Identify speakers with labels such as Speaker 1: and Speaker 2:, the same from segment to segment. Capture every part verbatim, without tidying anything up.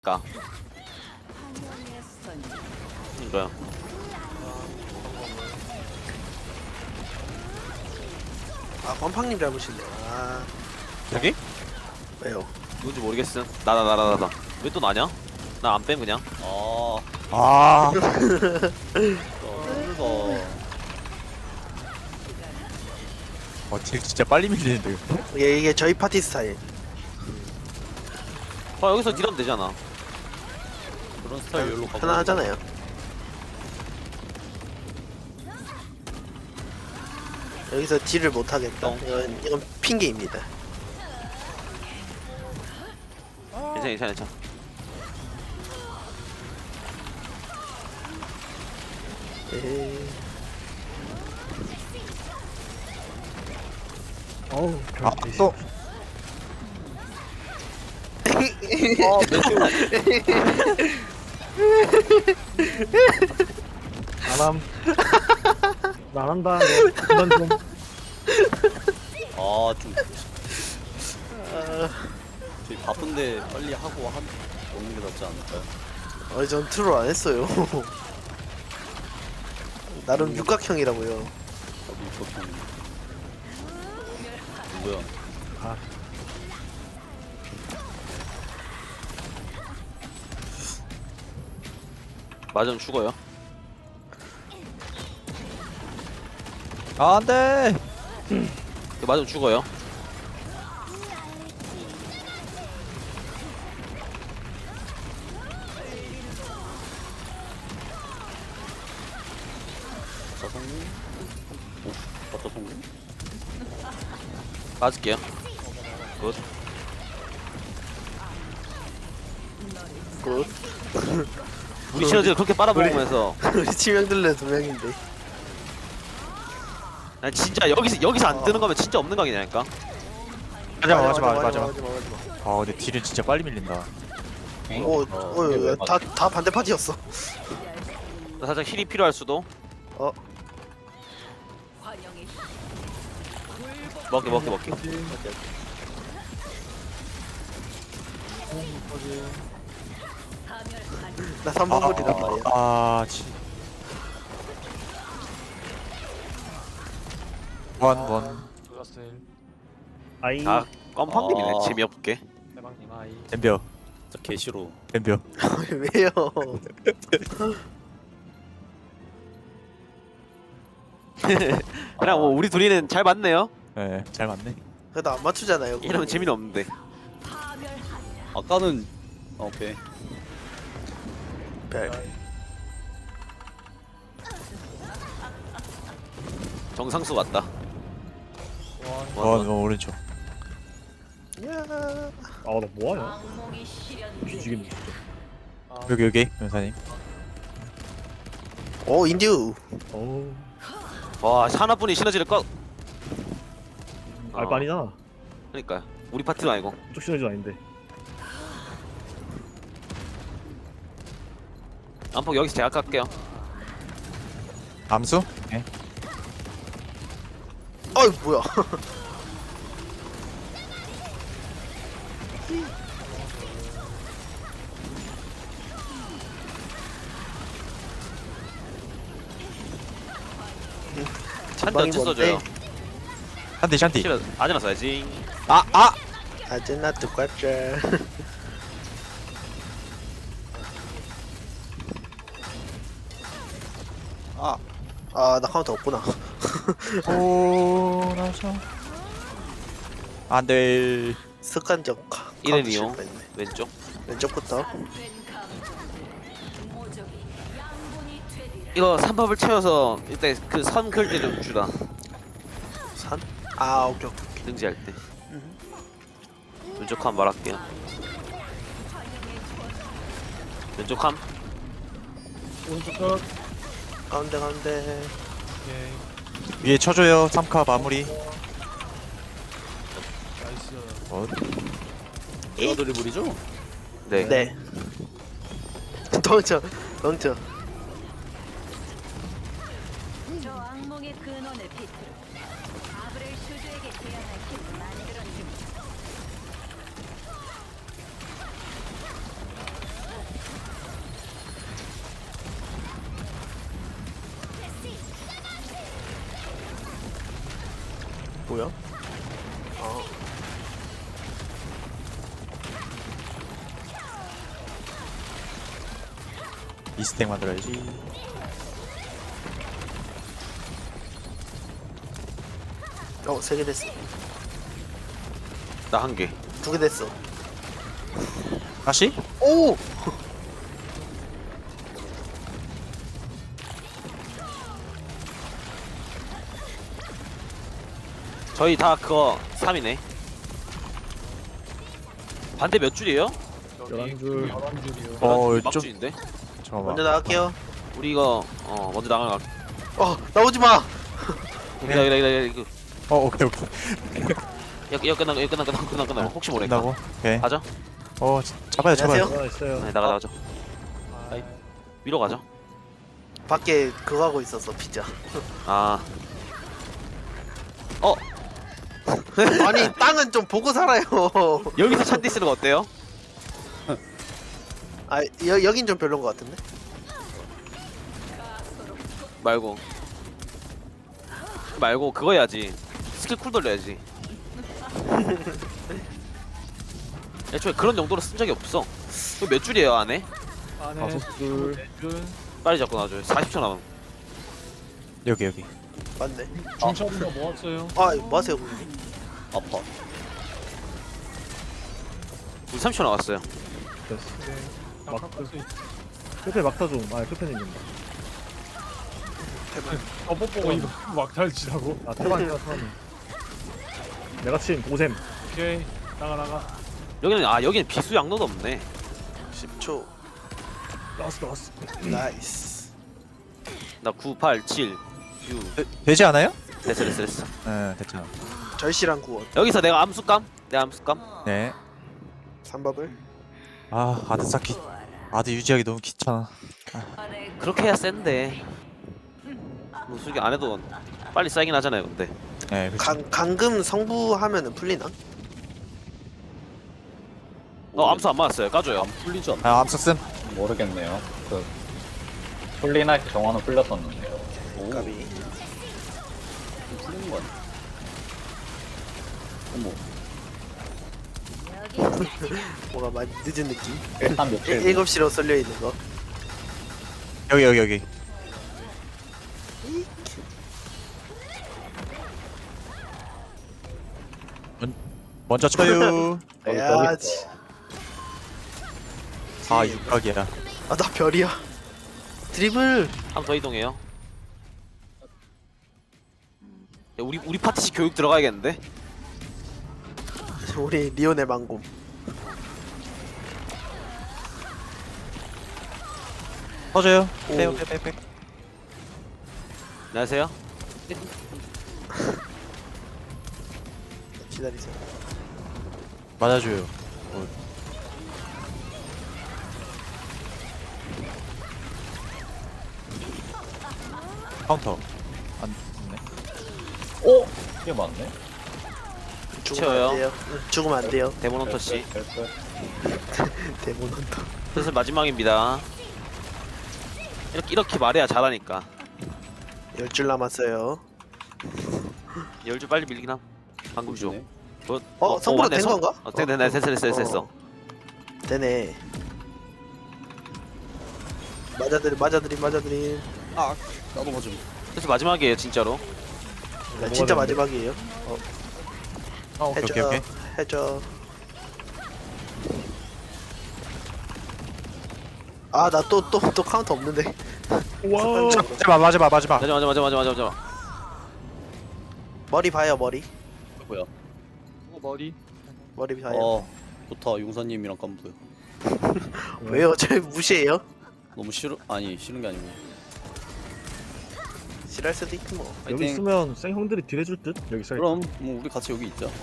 Speaker 1: 까 이거요.
Speaker 2: 아 권팡님 잘못이네. 아
Speaker 1: 여기?
Speaker 2: 왜요?
Speaker 1: 누군지 모르겠음. 나다 나다 나다. 왜 또 나냐? 나 안 뺨 그냥.
Speaker 3: 아,
Speaker 4: 아,
Speaker 3: 썰거.
Speaker 4: 어, 딜 진짜 빨리 밀리는데.
Speaker 2: 이게, 이게 저희 파티 스타일.
Speaker 1: 아 여기서 딜하면 되잖아.
Speaker 3: 그런 스타일 열로 가고.
Speaker 2: 편안하잖아요. 여기서 딜을 못하겠다.
Speaker 1: 어.
Speaker 2: 이건, 이건 핑계입니다.
Speaker 1: 괜찮아 괜찮아 괜찮아.
Speaker 2: 에이.
Speaker 5: 어우,
Speaker 4: 아, 또.
Speaker 3: 아, 메테오.
Speaker 5: 나람. 나란다. 너 그만 좀.
Speaker 3: 아, 좀. 저희 바쁜데 빨리 하고 한 먹는 게 낫지 않을까요?
Speaker 2: 어, 전 트롤 안 했어요. 나름 육각형이라고요.
Speaker 3: 저도 이렇게 누구야?
Speaker 5: 아,
Speaker 1: 맞으면 죽어요.
Speaker 4: 아, 안 돼!
Speaker 1: 이거 맞으면 죽어요.
Speaker 3: 자성님? 오, 맞다 성님?
Speaker 1: 맞을게요. 굿.
Speaker 2: 굿.
Speaker 1: 우리 시너지를 그렇게 빨아먹으면서
Speaker 2: 우리 치명들레 두 명인데.
Speaker 1: 난 진짜 여기서 여기서 안 뜨는 거면 진짜 없는 각이냐니까.
Speaker 4: 맞아, 맞아, 맞아, 맞아.
Speaker 2: 맞아, 맞아, 맞아.
Speaker 4: 아, 근데 딜은 진짜 빨리 밀린다.
Speaker 2: 오, 어, 다, 다 반대 파티였어.
Speaker 1: 나 살짝 힐이 필요할 수도.
Speaker 2: 어,
Speaker 1: 먹게 먹게 먹게.
Speaker 2: 나 삼 번 거리란 말이야.
Speaker 4: 아, 지. 원, 원.
Speaker 5: 아이.
Speaker 1: 아 껌팡님이네.
Speaker 3: 아.
Speaker 1: 재미없게.
Speaker 4: 덤벼,
Speaker 3: 진짜 개싫어.
Speaker 4: 덤벼.
Speaker 2: 왜요?
Speaker 1: 그냥 뭐 우리 둘이는 잘 맞네요.
Speaker 4: 예, 네, 잘 맞네.
Speaker 2: 그래도 안 맞추잖아요. 그거.
Speaker 1: 이러면 재미는 없는데.
Speaker 3: 아까는 아, 오케이.
Speaker 2: 별.
Speaker 1: 정상수 같다.
Speaker 4: 원, 원, 오른쪽.
Speaker 2: 야.
Speaker 5: 아, 나 뭐하냐? 뒤지겠네, 진짜.
Speaker 4: 여기, 여기, 변사님.
Speaker 2: 오, 인듀.
Speaker 5: 어우,
Speaker 1: 와 하나뿐이 시너지를 꺼.
Speaker 5: 알바 아니잖아.
Speaker 1: 그러니까 우리 파티도 아니고.
Speaker 5: 쪽 시너지도 아닌데.
Speaker 1: 안폭 여기서 제가 깎게요.
Speaker 4: 암수? 예.
Speaker 2: 어이, 뭐야.
Speaker 1: 찬데
Speaker 2: 방이
Speaker 1: 어째 써줘요.
Speaker 2: 뭔데?
Speaker 4: 샨디, 샨디.
Speaker 1: 싫어 아제나 써야지.
Speaker 4: 아, 아!
Speaker 2: 아제나 똑같죠.
Speaker 4: 아.
Speaker 2: 아, 나 카운터 없구나.
Speaker 4: 오, 나서. 안 돼.
Speaker 2: 습관적 카- 카운터
Speaker 1: 이름이요.
Speaker 2: 실패했네.
Speaker 1: 왼쪽.
Speaker 2: 왼쪽부터.
Speaker 1: 이거 삼밥을 채워서 일단 그 선 그을 때 좀 주라.
Speaker 2: 산? 아, 오케이, 오케이.
Speaker 1: 등지할 때. 왼쪽 함 말할게요. 왼쪽 함.
Speaker 5: 오른쪽 끝.
Speaker 2: 가운데, 가운데.
Speaker 4: 위에 쳐줘요. 삼 카 마무리. 어,
Speaker 3: 내가 드리블이죠?
Speaker 1: 네.
Speaker 2: 네. 덩쳐, 덩쳐.
Speaker 6: 저 악몽의 근원을 비틀어 아브렐 슈즈에게 대항할 힘을 만들어냅니다.
Speaker 2: 뭐야? 어.
Speaker 4: 이 스택 만들어야지.
Speaker 2: 어, 세 개 됐어.
Speaker 1: 나 한 개.
Speaker 2: 두 개 됐어.
Speaker 4: 다시?
Speaker 2: 오!
Speaker 1: 저희 다 그거 삼이네. 반대 몇 줄이에요?
Speaker 5: 열한 줄.
Speaker 4: 어,
Speaker 1: 막
Speaker 4: 좀
Speaker 1: 줄인데?
Speaker 4: 잠깐만.
Speaker 2: 먼저 나갈게요.
Speaker 1: 우리 이거 어 먼저 나가.
Speaker 2: 어, 나오지 마!
Speaker 1: 기다 기다 기다 기다.
Speaker 4: 어, 오케이 오케이.
Speaker 1: 이거 이거 끝나 이거 끝나 끝나 끝나 끝나. 혹시 모르니까.
Speaker 4: 끝나고. 오케이.
Speaker 1: 가죠?
Speaker 4: 어, 자- 잡아요, 잡아요.
Speaker 2: 안녕하세요.
Speaker 5: 하나 있어요.
Speaker 1: 네 나가 나가죠. 아이, 위로 가죠.
Speaker 2: 밖에 그거 하고 있었어, 피자.
Speaker 1: 아. 어
Speaker 2: 아니, 땅은 좀 보고 살아요.
Speaker 1: 여기서 찬디 쓰는 거 어때요?
Speaker 2: 아, 여, 여긴 좀 별론 것 같은데?
Speaker 1: 말고 말고 그거 해야지. 스킬 쿨 돌려야지. 애초에 그런 정도로 쓴 적이 없어. 이거 몇 줄이에요 안에?
Speaker 5: 다섯 줄.
Speaker 1: 빨리 잡고 놔줘요. 사십 초 남은.
Speaker 4: 여기 여기.
Speaker 2: 맞네.
Speaker 5: 중첩인가 모았어요.
Speaker 2: 아, 뭐 하세요, 고객님?
Speaker 3: 아파.
Speaker 1: 우리 삼십 초 남았어요.
Speaker 5: 됐어. 막타. 끝에 막타 좀. 아, 끝에 있는다. 어, 뽀뽀가 이거 막타를 치라고? 아, 태반이야, 태반. 내가 친 고샘. 오케이. 나가, 나가.
Speaker 1: 여기는 아 여기는 비수 양로도 없네.
Speaker 2: 십 초.
Speaker 5: 나왔어, 나왔어.
Speaker 2: 나이스.
Speaker 1: 나 구, 팔, 칠, 육.
Speaker 4: 되, 되지 않아요?
Speaker 1: 됐어 됐어 됐어.
Speaker 4: 네, 됐잖아.
Speaker 2: 절실한 구원.
Speaker 1: 여기서 내가 암수감? 내가 암수감?
Speaker 4: 네.
Speaker 2: 삼밥을.
Speaker 4: 아, 아드 쌓기. 아드 유지하기 너무 귀찮아.
Speaker 1: 그렇게 해야 센데. 뭐 솔직히 안 해도 빨리 쌓이긴 하잖아요 근데.
Speaker 4: 네, 그렇죠.
Speaker 2: 강, 강금 성부하면은 풀리나?
Speaker 1: 어 암수 안 맞았어요. 까줘요.
Speaker 3: 안 풀리지 않나?
Speaker 4: 아, 암석슨.
Speaker 7: 모르겠네요. 그 폴리나이트 정화는 풀렸었는데요.
Speaker 3: 오,
Speaker 2: 까비.
Speaker 3: 풀리는 거 아니야? 어머,
Speaker 2: 뭔가 많이 늦은 느낌.
Speaker 7: 일단
Speaker 2: 일,
Speaker 7: 며칠
Speaker 2: 일곱 시로 썰려 있는 거.
Speaker 4: 여기 여기 여기. 먼, 먼저 쳐요.
Speaker 7: 여기
Speaker 2: 해야지.
Speaker 4: 아, 육각이야.
Speaker 2: 아, 나 별이야. 드리블.
Speaker 1: 한 번 더 이동해요. 야, 우리 우리 파티식 교육 들어가야겠는데?
Speaker 2: 우리 리온의 망곰.
Speaker 4: 터져요.
Speaker 2: 오.
Speaker 4: 빼요, 빼, 빼, 빼.
Speaker 1: 안녕하세요.
Speaker 2: 기다리세요.
Speaker 4: 맞아줘요. 카운터. 안 됐네.
Speaker 7: 오! 이게 맞네?
Speaker 2: 죽으면
Speaker 1: 채워요.
Speaker 2: 안 돼요. 응, 죽으면 안 돼요.
Speaker 1: 데몬 헌터 씨.
Speaker 7: 됐어.
Speaker 2: 데몬 헌터.
Speaker 1: 슬슬 마지막입니다. 이렇게 이렇게 말해야 잘하니까.
Speaker 2: 열 줄 남았어요.
Speaker 1: 열줄 빨리 밀긴 함. 방금 줘.
Speaker 3: 네.
Speaker 1: 뭐,
Speaker 2: 어, 성부로
Speaker 1: 맞네,
Speaker 2: 된
Speaker 1: 성-
Speaker 2: 건가?
Speaker 1: 어, 됐네, 됐어, 됐어, 됐어, 됐어.
Speaker 2: 되네. 맞아들이 맞아들이 맞아들이.
Speaker 3: 아, 나도 맞음.
Speaker 1: 그래서 마지막이에요, 진짜로.
Speaker 2: 나 진짜 마지막이에요.
Speaker 4: 아, 오케이,
Speaker 2: 해줘.
Speaker 4: 오케이, 오케이.
Speaker 2: 해줘. 아, 나 또 또 또 카운터 없는데.
Speaker 5: 와우.
Speaker 4: 마지막, 마지막, 마지막.
Speaker 1: 맞아, 맞아, 맞아, 맞아, 맞아, 맞아.
Speaker 2: 머리 봐요, 머리.
Speaker 3: 뭐야?
Speaker 5: 머리.
Speaker 2: 머리 봐요.
Speaker 3: 어, 좋다. 용사님이랑 깜부요.
Speaker 2: 왜요? 저 무시해요?
Speaker 3: 너무 싫어? 아니, 싫은 게 아니고.
Speaker 2: 싫어할 수도 있고 뭐.
Speaker 5: 여기
Speaker 3: 파이팅.
Speaker 5: 있으면 생 형들이 딜해줄 듯? 여기 써.
Speaker 3: 그럼 뭐 우리 같이 여기 있자.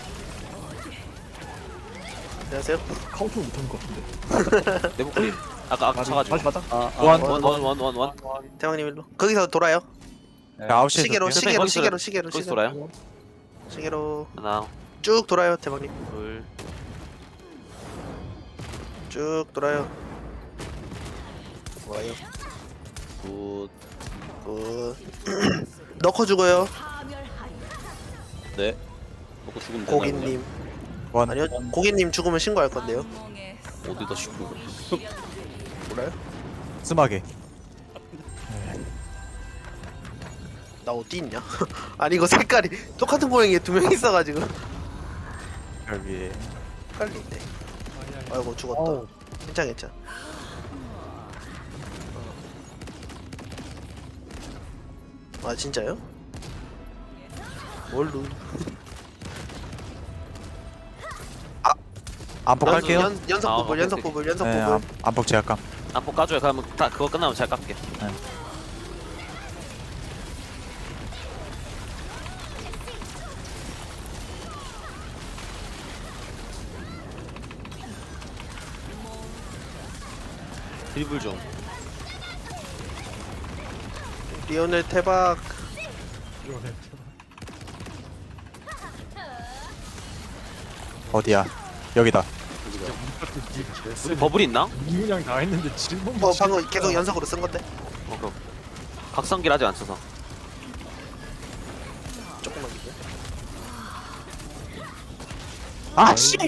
Speaker 2: 안녕하세요.
Speaker 5: 카운터 못한 것 같은데.
Speaker 1: 내 목소리. 아까 아까
Speaker 5: 다시
Speaker 1: 차가지고.
Speaker 5: 다시 가자.
Speaker 3: 아, 아,
Speaker 4: 원.
Speaker 1: 원, 원, 원, 원, 원.
Speaker 2: 대왕님 일로. 거기서 돌아요.
Speaker 7: 네.
Speaker 4: 아홉 시에
Speaker 2: 시계로
Speaker 1: 시-
Speaker 2: 시계로
Speaker 1: 거기서
Speaker 2: 시계로 시계로
Speaker 1: 거기서
Speaker 2: 시계로.
Speaker 1: 돌아요.
Speaker 2: 시계로
Speaker 1: 하나,
Speaker 2: 쭉 돌아요, 대왕님.
Speaker 1: 둘,
Speaker 2: 쭉 돌아요. 좋아요.
Speaker 3: 굿.
Speaker 2: 굿. 넣고 죽어요.
Speaker 3: 네. 먹고 죽으면 되나요?
Speaker 2: 고객님.
Speaker 4: 원.
Speaker 2: 아니요, 고객님 죽으면 신고할 건데요.
Speaker 6: 악몽의
Speaker 3: 그냥? 어디다 싣고
Speaker 2: 몰라요?
Speaker 4: 스마게.
Speaker 2: 나 어디 있냐? 아니 이거 색깔이 똑같은 모양이 두 명 있어가지고
Speaker 4: 별 위에.
Speaker 2: 헷갈린데. 아이고 죽었다.
Speaker 5: 어우.
Speaker 2: 괜찮 괜찮. 아 진짜요? 뭘로?
Speaker 4: 안폭 할게요.
Speaker 2: 연, 연속
Speaker 1: 아,
Speaker 2: 부분
Speaker 1: 오케이,
Speaker 2: 연속
Speaker 1: 오케이.
Speaker 2: 부분 연속
Speaker 4: 네,
Speaker 2: 부분.
Speaker 4: 안, 안폭 제압감.
Speaker 1: 안폭 까줘요. 그러면 다 그거 끝나면 제가 깎게. 드리블 좀.
Speaker 2: 리오넬 태박.
Speaker 5: 이거네.
Speaker 4: 어디야? 여기다.
Speaker 1: 우리 버블 있나?
Speaker 5: 이문양 다 했는데 질문.
Speaker 2: 어 방금 계속 연속으로 쓴 건데.
Speaker 1: 어, 그 각성기를 아직 안 써서.
Speaker 2: 조금만 기다려.
Speaker 4: 아 씨.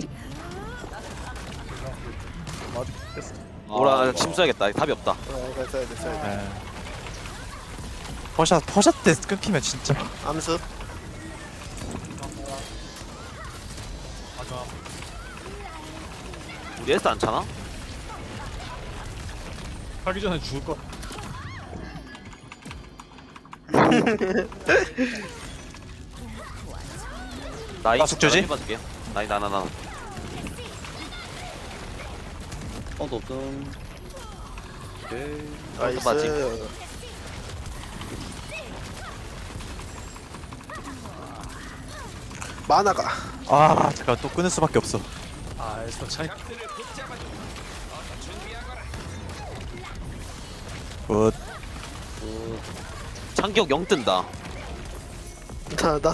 Speaker 5: 맞아. 됐어.
Speaker 1: 오라 침 써야겠다. 답이 없다.
Speaker 2: 어 됐어요 됐어요.
Speaker 4: 네. 퍼샷 퍼샷 때 끊기면 진짜.
Speaker 2: 암수.
Speaker 1: 우리 에스 안 차나?
Speaker 5: 하기 전에 죽을 거.
Speaker 1: 나이
Speaker 4: 아, 숙제지?
Speaker 1: 해봐줄게요. 나이 나나 나.
Speaker 3: 카운트 없음. 오케이.
Speaker 2: 나이스. 만화가.
Speaker 4: 아 잠깐 또 끊을 수밖에 없어.
Speaker 5: 아, 에스터 차이.
Speaker 4: 굿.
Speaker 1: 창기역 영 뜬다.
Speaker 2: 나나